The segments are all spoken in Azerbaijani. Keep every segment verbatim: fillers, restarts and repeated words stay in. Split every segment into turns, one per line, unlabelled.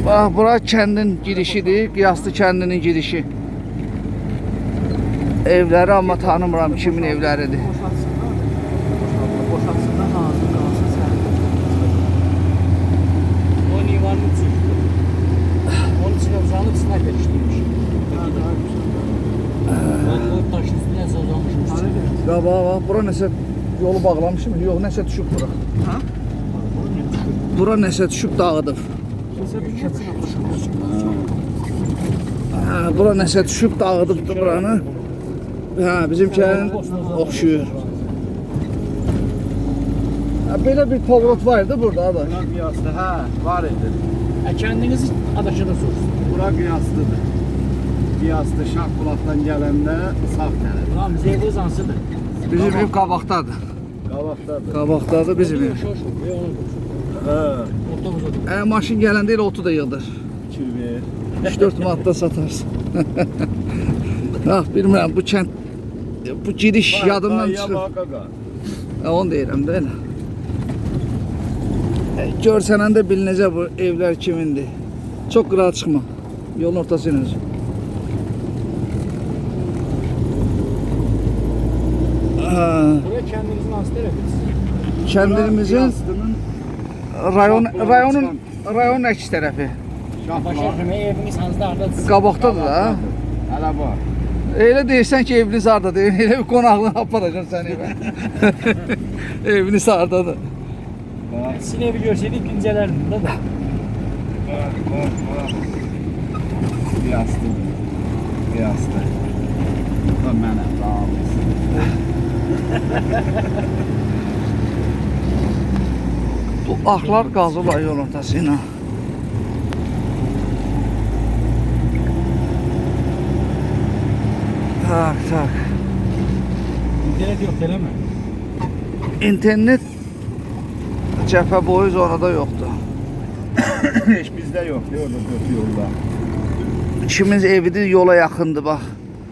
Bax, bura kəndin girişidir, Qiyaslı kəndinin girişi. Evləri amma tanımıram kimin evləridir.
Boşaltsınlar, hazır qalsın sən. O nivanın içi. Onun içine uzanıb sniper işləymiş. Ben o taşın üstüne sazanmışım.
Qabağa bax, bura nəsə yolu bağlamışım, yox nəsə düşüb bura.
Ha?
Bura nəsə düşüb dağıdıb.
Kimsə bir keçsin atmışım.
Hə, bura nəsə düşüb dağıdıbdı buranı. Hə, bizimkilərin oxşuyur. Hə, belə bir povrot var idi burada da.
Bura qiyaslı, hə, var idi.
E kendinizi adaşına sorsun.
Bura qiyaslıdır. Qiyaslı Şahbulaqdan gələndə sağ tərəf.
Ulan bize evi zansıdır.
Bizim ev qabaqdadır.
Qabaqdadır.
Qabaqdadır bizim ev.
Şoş, ve onu
Hə,
ortamıza dur.
Ə, maşın gələndə elə otu da yığdır.
kirvi.
üç dörd manatda satarsın. Bax, bilmirəm, bu kənd, bu giriş yadımdan çıxır. Hə, onu deyirəm də elə. Ə, Görsənəndə bilinəcək bu evlər kimindir. Çox qırağa çıxma. Yolun ortası ilə.
Buraya kendinizin hasta ediniz.
Kəndimizin
Qiyaslı'nın
rayon
Şahbulaq
rayonun
çıxan-
rayonun əks tərəfi.
Başa
Şahbulaq.
kimi eviniz hansı hardadır?
Qabaqdadır da.
Hələ var.
Elə deyirsən ki, eviniz hardadır? Elə bir qonaqlığına aparacam səni evə. Eviniz hardadır?
Sizin evi görseydik incələrdim de da.
Var, var, var. Qiyaslı. Qiyaslı. Bu da mənə, sağ olasın.
Bu axlar qazılar yol ortası ilə. Tak, tak.
İnternet yok değil mi?
İnternet cəbhə boyu zonada yoxdur.
Heç bizdə yoxdur, orada dörd yolda.
İkimiz evidir, yola yaxındır bax.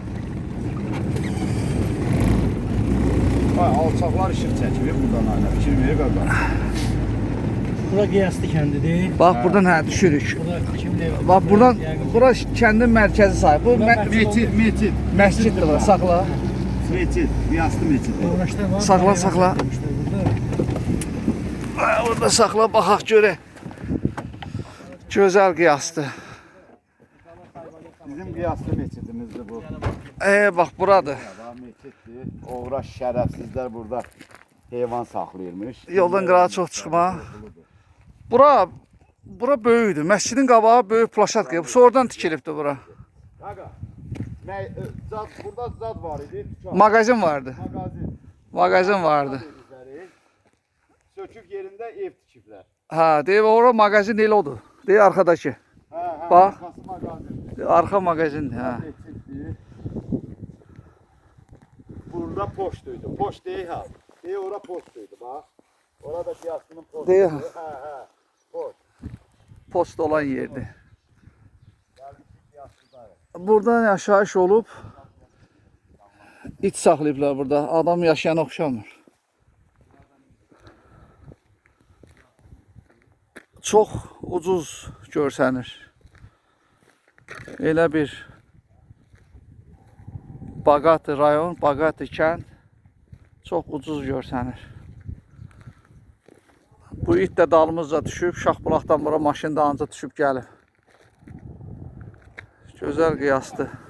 Ay, alçaqlar işıq çəkilir buradan ayna. Fikir verir qaqa.
Bura Qiyaslı kəndidir.
Bax, buradan hə düşürük.
Burada kimin evi?
Bax, buradan,
Yəqin-
bura kəndin mərkəzi sayı. Bu mə
Meçid, meçid.
məsciddir bura, saxla.
Meçid, Qiyaslı meçid.
Uğraşlar var.
Saxla,
bayram
saxla.
yapmışlar burada.
Ha, orada saxla, baxaq görək. Gözəl qiyasdır.
Bizim Qiyaslı meçidimizdir bu.
E, bax, buradır.
Daha meçiddir. Oğraş şərəfsizlər burada heyvan saxlayırmış.
Yoldan qırağa çox çıxma. Bura, bura böyükdür. Məscidin qabağı böyük plaşatka. Sonradan tikilibdir bura.
Qaqa, mə- ə, zad, burada zad var idi. Tükan.
Mağazin vardı.
Mağazin.
Mağazin vardı.
Üzəri. Sökük yerində ev tikiblər.
Ha, deyib ora mağazin elə odur. Deyib arxadakı.
Hə, hə.
Bax.
Arxası mağazin.
Deyib, arxa mağazindir, hə.
Meçiddir. Burada poçtuydu. Poçt deyil ha. Deyil ora poçtuydu bax. Orada Qiyaslı'nın poçtu.
Deyil.
Hə, hə. Poçt.
Post olan yerdir.
Gəldik Qiyaslı'da.
Buradan yaşayış olub it saxlayıblar burada. Adam yaşayan oxşamır. Çox ucuz görsənir. Elə bir Bağatı rayon, Bağatı kənd çox ucuz görsənir. Bu it də dalımızca düşüb, Şahbulaqdan bura maşın da anca düşüb gəlib. Gözəl qiyasdır.